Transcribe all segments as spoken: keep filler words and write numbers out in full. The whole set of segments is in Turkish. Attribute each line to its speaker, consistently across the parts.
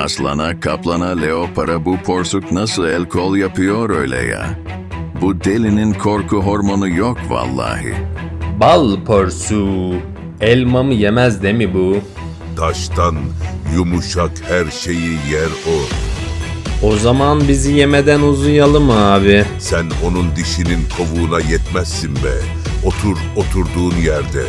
Speaker 1: Aslana, kaplana, leopara bu porsuk nasıl el kol yapıyor öyle ya? Bu delinin korku hormonu yok vallahi.
Speaker 2: Bal porsu. Elmamı yemez de mi bu?
Speaker 3: Taştan yumuşak her şeyi yer o.
Speaker 2: O zaman bizi yemeden uzayalım abi.
Speaker 3: Sen onun dişinin kovuğuna yetmezsin be. Otur oturduğun yerde.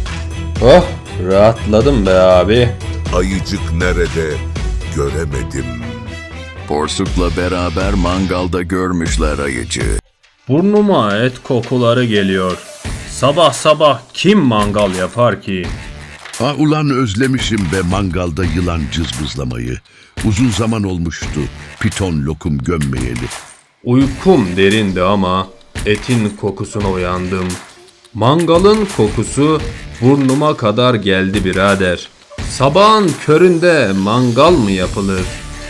Speaker 2: Oh, rahatladım be abi.
Speaker 3: Ayıcık nerede göremedim.
Speaker 1: Porsukla beraber mangalda görmüşler ayıcı.
Speaker 4: Burnuma et kokuları geliyor. Sabah sabah kim mangal yapar ki?
Speaker 5: Ha ulan özlemişim be mangalda yılan cızbızlamayı. Uzun zaman olmuştu piton lokum gömmeyeli.
Speaker 2: Uykum derindi ama etin kokusuna uyandım. Mangalın kokusu burnuma kadar geldi birader. Sabahın köründe mangal mı yapılır?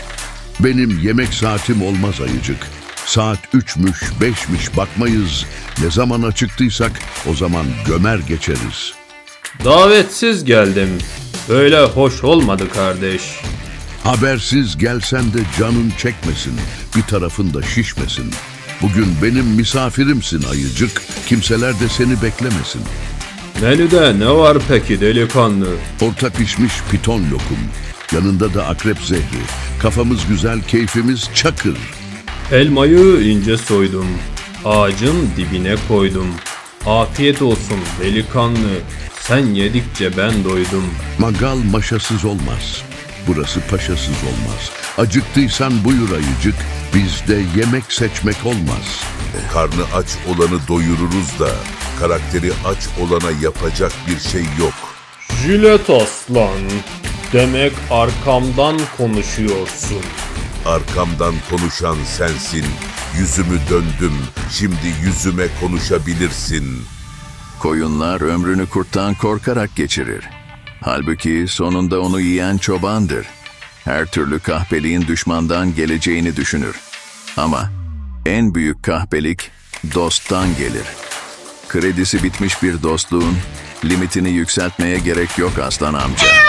Speaker 5: Benim yemek saatim olmaz ayıcık. Saat üçmüş, beşmiş bakmayız. Ne zaman acıktıysak o zaman gömer geçeriz.
Speaker 2: Davetsiz geldim. Böyle hoş olmadı kardeş.
Speaker 5: Habersiz gelsen de canın çekmesin, bir tarafın da şişmesin. Bugün benim misafirimsin ayıcık, kimseler de seni beklemesin.
Speaker 2: Menüde ne var peki delikanlı?
Speaker 5: Orta pişmiş piton lokum, yanında da akrep zehri. Kafamız güzel, keyfimiz çakır.
Speaker 2: Elmayı ince soydum. Ağacın dibine koydum. Afiyet olsun delikanlı. Sen yedikçe ben doydum.
Speaker 5: Mangal maşasız olmaz, burası paşasız olmaz. Acıktıysan buyur ayıcık, bizde yemek seçmek olmaz.
Speaker 3: Karnı aç olanı doyururuz da karakteri aç olana yapacak bir şey yok.
Speaker 2: Jilet aslan. Demek arkamdan konuşuyorsun.
Speaker 3: Arkamdan konuşan sensin. Yüzümü döndüm. Şimdi yüzüme konuşabilirsin.
Speaker 1: Koyunlar ömrünü kurttan korkarak geçirir. Halbuki sonunda onu yiyen çobandır. Her türlü kahpeliğin düşmandan geleceğini düşünür. Ama en büyük kahpelik dosttan gelir. Kredisi bitmiş bir dostluğun limitini yükseltmeye gerek yok aslan amca.